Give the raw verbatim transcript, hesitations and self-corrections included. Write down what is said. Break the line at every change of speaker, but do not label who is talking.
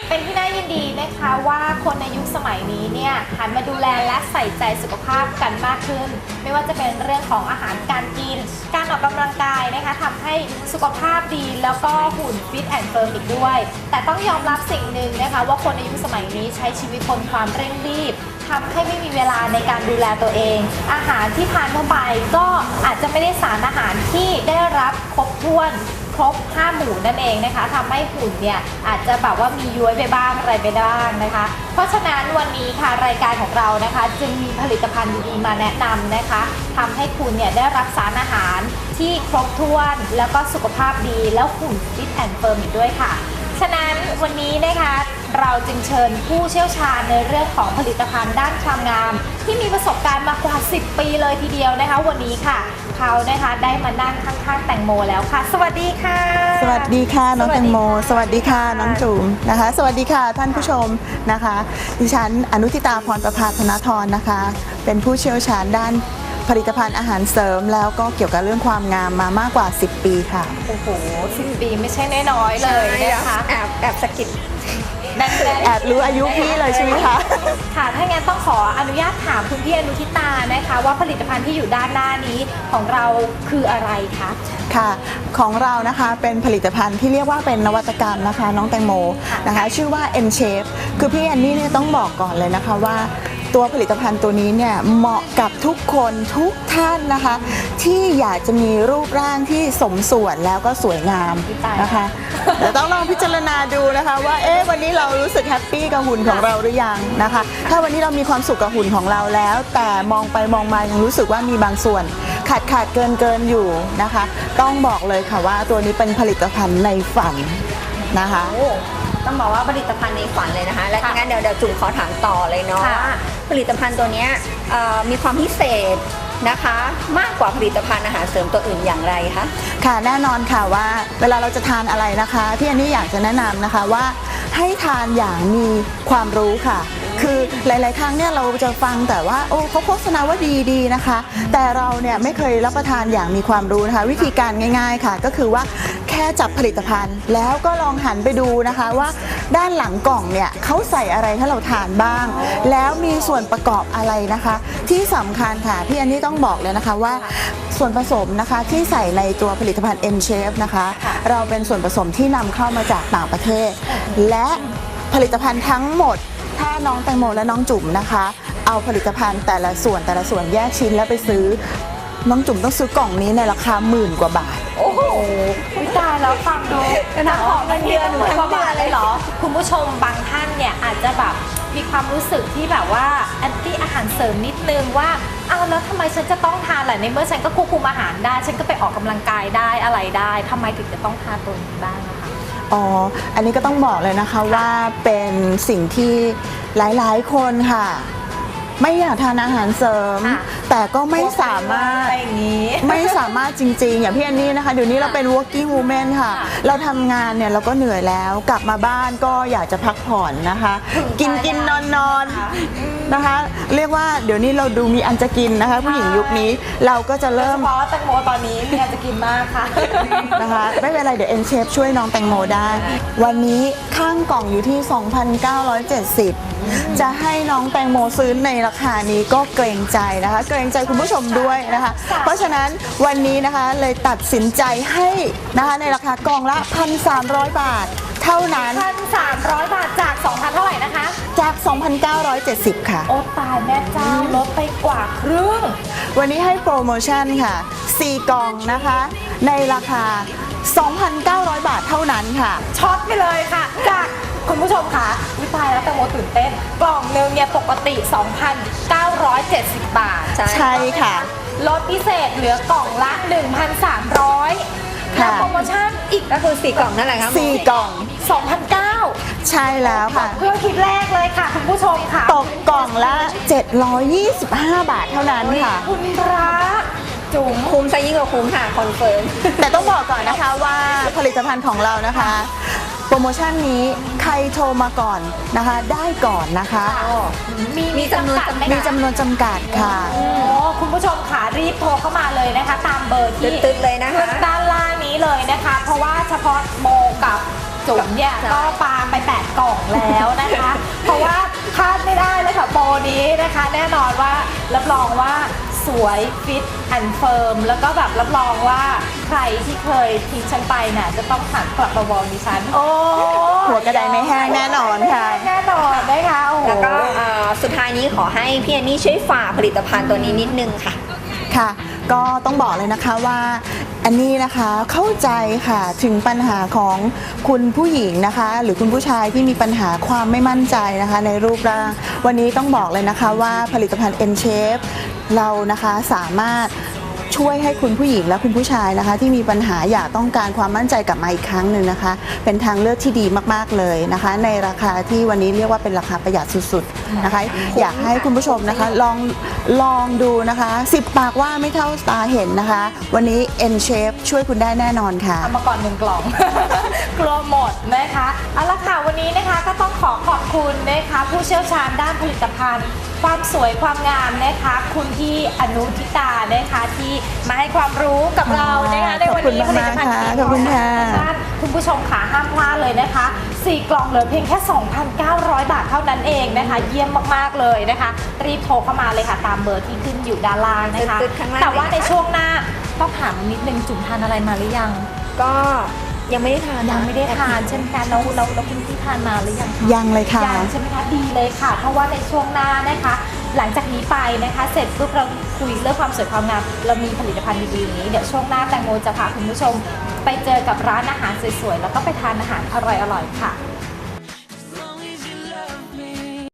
เป็นที่น่ายินดีนะคะว่าคนในยุคสมัยนี้เนี่ยหันมาดูแลและใส่ใจสุขภาพกันมากขึ้นไม่ว่าจะเป็นเรื่องของอาหารการกินการออกกำลังกายนะคะทำให้สุขภาพดีแล้วก็หุ่นฟิตแอนด์เฟิร์มอีกด้วยแต่ต้องยอมรับสิ่งหนึ่งนะคะว่าคนในยุคสมัยนี้ใช้ชีวิตบนความเร่งรีบทำให้ไม่มีเวลาในการดูแลตัวเองอาหารที่ทานเข้าไปก็อาจจะไม่ได้สารอาหารที่ได้รับครบถ้วนครบห้าหมู่นั่นเองนะคะทำให้หุ่นเนี่ยอาจจะแบบว่ามีย้วยไปบ้างอะไรไปบ้างนะคะเพราะฉะนั้นวันนี้ค่ะรายการของเรานะคะจึงมีผลิตภัณฑ์ดีๆมาแนะนำนะคะทำให้คุณเนี่ยได้รับสารอาหารที่ครบถ้วนแล้วก็สุขภาพดีแล้วหุ่นฟิตแอนด์เฟิร์มอีกด้วยค่ะฉะนั้นวันนี้นะคะเราจึงเชิญผู้เชี่ยวชาญในเรื่องของผลิตภัณฑ์ด้านความงามที่มีประสบการณ์มากว่าสิบปีเลยทีเดียวนะคะวันนี้ค่ะเขานะคะได้มานั่งข้างๆแตงโมแล้วค่ะสวัสดีค่ะ
สวัสดีค่ะน้องแตงโมสวัสดีค่ะน้องจุ๋มนะคะสวัสดีค่ะท่านผู้ชมนะคะดิฉันอนุทิตาพรประภาธนธรนะคะเป็นผู้เชี่ยวชาญด้านผลิตภัณฑ์อาหารเสริมแล้วก็เกี่ยวกับเรื่องความงามมามากกว่าสิบปีค่ะ
โอ้โหสิบปีไม่ใช่น้อยๆเลยนะคะ
แอบแอบสะกิด
แอบรู้อายุพี่เลยใช่ไหมคะ
ค่ะถ้างั้นต้องขออนุญาตถามคุณพี่อนุทิตานะคะว่าผลิตภัณฑ์ที่อยู่ด้านหน้านี้ของเราคืออะไรคะ
ค่ะของเรานะคะเป็นผลิตภัณฑ์ที่เรียกว่าเป็นนวัตกรรมนะคะน้องแตงโมนะคะชื่อว่า N-Shape คือพี่แอนนี่เนี่ยต้องบอกก่อนเลยนะคะว่าตัวผลิตภัณฑ์ตัวนี้เนี่ยเหมาะกับทุกคนทุกท่านนะคะที่อยากจะมีรูปร่างที่สมส่วนแล้วก็สวยงามนะคะเดี๋ยวต้องลองพิจารณาดูนะคะว่าเอ๊ะวันนี้เรารู้สึกแฮปปี้กับหุ่นของเราหรือยังนะคะถ้าวันนี้เรามีความสุขกับหุ่นของเราแล้วแต่มองไปมองมายังรู้สึกว่ามีบางส่วนขาดขาดเกินเกินอยู่นะคะต้องบอกเลยค่ะว่าตัวนี้เป็นผลิตภัณฑ์ในฝันนะคะ
ต้องบอกว่าผลิตภัณฑ์ในฝันเลยนะคะและงั้นเดี๋ยวเดี๋ยวจุ๋มขอถามต่อเลยเนาะว่าผลิตภัณฑ์ตัวนี้มีความพิเศษนะคะมากกว่าผลิตภัณฑ์อาหารเสริมตัวอื่นอย่างไรคะ
ค่ะแน่นอนค่ะว่าเวลาเราจะทานอะไรนะคะพี่อันนี้อยากจะแนะนำนะคะว่าให้ทานอย่างมีความรู้ค่ะคือหลายๆครั้งเนี่ยเราจะฟังแต่ว่าโอ้เขาโฆษณาว่าดีๆนะคะแต่เราเนี่ยไม่เคยรับประทานอย่างมีความรู้นะคะวิธีการง่ายๆค่ะก็คือว่าแค่จับผลิตภัณฑ์แล้วก็ลองหันไปดูนะคะว่าด้านหลังกล่องเนี่ยเขาใส่อะไรให้เราทานบ้างแล้วมีส่วนประกอบอะไรนะคะที่สำคัญค่ะพี่อันนี้ต้องบอกเลยนะคะว่าส่วนผสมนะคะที่ใส่ในตัวผลิตภัณฑ์ N-Shape นะคะเราเป็นส่วนผสมที่นำเข้ามาจากต่างประเทศและผลิตภัณฑ์ทั้งหมดถ้าน้องแตงโมและน้องจุ๋มนะคะเอาผลิตภัณฑ์แต่ละส่วนแต่ละส่วนแยกชิ้นแล้วไปซื้อน้องจุ๋มต้องซื้อกล่องนี้ในราคาหมื่นกว่าบาท
โอ้โหวิจารณ์แล้วฟังดูนะของเงินเดือนหมื่นกว่าบาทเลยเหรอคุณผู้ชมบางท่านเนี่ยอาจจะแบบมีความรู้สึกที่แบบว่าแอนตี้อาหารเสริมนิดนึงว่าอ้าวแล้วทำไมฉันจะต้องทานล่ะในเมื่อฉันก็ควบคุมอาหารได้ฉันก็ไปออกกำลังกายได้อะไรได้ทำไมถึงจะต้องทานตัวนี้บ้างนะคะ
อ๋ออันนี้ก็ต้องบอกเลยนะคะว่าเป็นสิ่งที่หลายๆคนค่ะไม่อยากทานอาหารเสริมแต่ก็ไม่สามารถไม่สามารถจริงๆอย่างพี่อันนี้นะคะเดี๋ยวนี้เราเป็น working woman ค่ะเราทำงานเนี่ยเราก็เหนื่อยแล้วกลับมาบ้านก็อยากจะพักผ่อนนะคะกินกินนอนนอนนะคะเรียกว่าเดี๋ยวนี้เราดูมีอันจะกินนะคะผู้หญิงยุคนี้เราก็จะเริ่ม
เพราะแตงโมตอนนี้มีอันจะกินมากค่ะ
นะคะไม่เป็นไรเดี๋ยว N-Shape ช่วยน้องแตงโมได้วันนี้ข้างกล่องอยู่ที่ สองพันเก้าร้อยเจ็ดสิบ จะให้น้องแตงโมซื้อในราคานี้ก็เกรงใจนะคะเกรงใจคุณผู้ชมด้วยนะคะเพราะฉะนั้นวันนี้นะคะเลยตัดสินใจให้นะคะในราคากล่องละ หนึ่งพันสามร้อย บาทเท่านั้น
หนึ่งพันสามร้อย บาทจาก สองพัน เท่าไหร่นะคะ
จาก สองพันเก้าร้อยเจ็ดสิบ ค่ะ
โอ้ตายแม่เจ้าลดไปกว่าครึ่ง
วันนี้ให้โปรโมชั่นค่ะสี่กล่องนะคะในราคา สองพันเก้าร้อย บาทเท่านั้นค่ะ
ช็อตไปเลยค่ะจากคุณผู้ชมค่ะวิตายแล้วแตงโมตื่นเต้นกล่องนึงเนี่ยปกติ สองพันเก้าร้อยเจ็ดสิบ บาท
ใช่ค่ะ
ลดพิเศษเหลือกล่องละ หนึ่งพันสามร้อย แล้วโปรโมชั่นอีก
ก็คือสี่กล่องนั่นแหละครับ
สี่กล่อง
สองพันเก้าร้อย
ใช่แล้วค่ะ
เพื่อคิดแรกเลยค่ะคุณผู้ชมค่ะ
ตกกล่องละเจ็ดร้อยยี่สิบห้าบาทเท่านั้นค่ะ
คุณพระจุ๋ม
คุ้มซะยิ่งกว่าคุ้มค่ะคอนเฟิร์ม
แต่ต้องบอกก่อนนะคะว่าผลิตภัณฑ์ของเรานะคะโปรโมชั่นนี้ใครโทรมาก่อนนะคะได้ก่อนนะคะ
มีมีจำนวน
มีจำนวนจำกัดค่ะ
โอ้คุณผู้ชมค่ะรีบโทรเข้ามาเลยนะคะตามเบอร์ที่
ตึ๊ดๆเลยนะคะ
ด้านล่างนี้เลยนะคะเพราะว่าเฉพาะโมกับจุ๋มเนี่ยก็ปาไปแปดกล่องแล้นะคะแน่นอนว่ารับรองว่าสวยฟิตแอนด์เฟิร์มแล้วก็แบบรับรองว่าใครที่เคยทิ้งฉันไปเนี่ยจะต้องหันกลับมามองดิฉันโอ้
หัวกระไดไม่แห้งแน่นอนค่ะ
แน่นอนนะคะโอ้โห
แล้วก็เอ่อสุดท้ายนี้ขอให้พี่แอนนี่ช่วยฝากผลิตภัณฑ์ตัวนี้นิดนึงค่ะ
ค่ะ ก็ต้องบอกเลยนะคะว่าอันนี้นะคะเข้าใจค่ะถึงปัญหาของคุณผู้หญิงนะคะ หรือคุณผู้ชายที่มีปัญหาความไม่มั่นใจนะคะในรูปร่าง วันนี้ต้องบอกเลยนะคะว่าผลิตภัณฑ์ N-Shape เรานะคะสามารถช่วยให้คุณผู้หญิงและคุณผู้ชายนะคะ ที่มีปัญหาอยากต้องการความมั่นใจกลับมาอีกครั้งหนึ่งนะคะ เป็นทางเลือกที่ดีมากๆเลยนะคะ ในราคาที่วันนี้เรียกว่าเป็นราคาประหยัดสุดๆนะคะ อยากให้คุณผู้ชมนะคะลองลองดูนะคะสิบปากว่าไม่เท่าตาเห็นนะคะ วันนี้ N-Shape ช่วยคุณได้แน่นอนค่ะ
เอามาก่อนหนึ่งกล่อง กลัวหมดนะคะเอาละค่ะวันนี้นะคะก็ต้องขอขอบคุณนะคะผู้เชี่ยวชาญด้านผลิตภัณฑ์ ความสวยความงามนะคะคุณพี่อนุทิตานะคะที่มาให้ความรู้กับเรานะคะในวันนี้
ขอบคุณมากๆค่ะขอบคุณค่ะ
คุณผู้ชมขาห้ามพลาดเลยนะคะสี่กล่องเหลือเพียงแค่ สองพันเก้าร้อย บาทเท่านั้นเองนะคะเยี่ยมมากๆเลยนะคะรีบโทรเข้ามาเลยค่ะตามเบอร์ที่ขึ้นอยู่ด้านล่างนะคะ
ตึ๊ดๆข้างล่าง
แต่ว่าในช่วงหน้าต้องถามนิดนึงจุ๋มทานอะไรมาหรือยัง
ก็ยังไม่ได้ทานนะ
ยังไม่ได้ทานใช่ไหมคะแล้วแล้วแล้วคุณพี่ทานมาหรือยังคะ
ยังเลยค่ะ
ยังใช่ไหมคะดีเลยค่ะ เพราะว่าในช่วงหน้านะคะ หลังจากนี้ไปนะคะ เสร็จปุ๊บเราคุยเรื่องความสวยความงามเรามีผลิตภัณฑ์ดีๆอย่างนี้เดี๋ยวช่วงหน้าแตงโมจะพาคุณผู้ชม ไปเจอกับร้านอาหารสวยๆแล้วก็ไปทานอาหารอร่อยๆค่ะ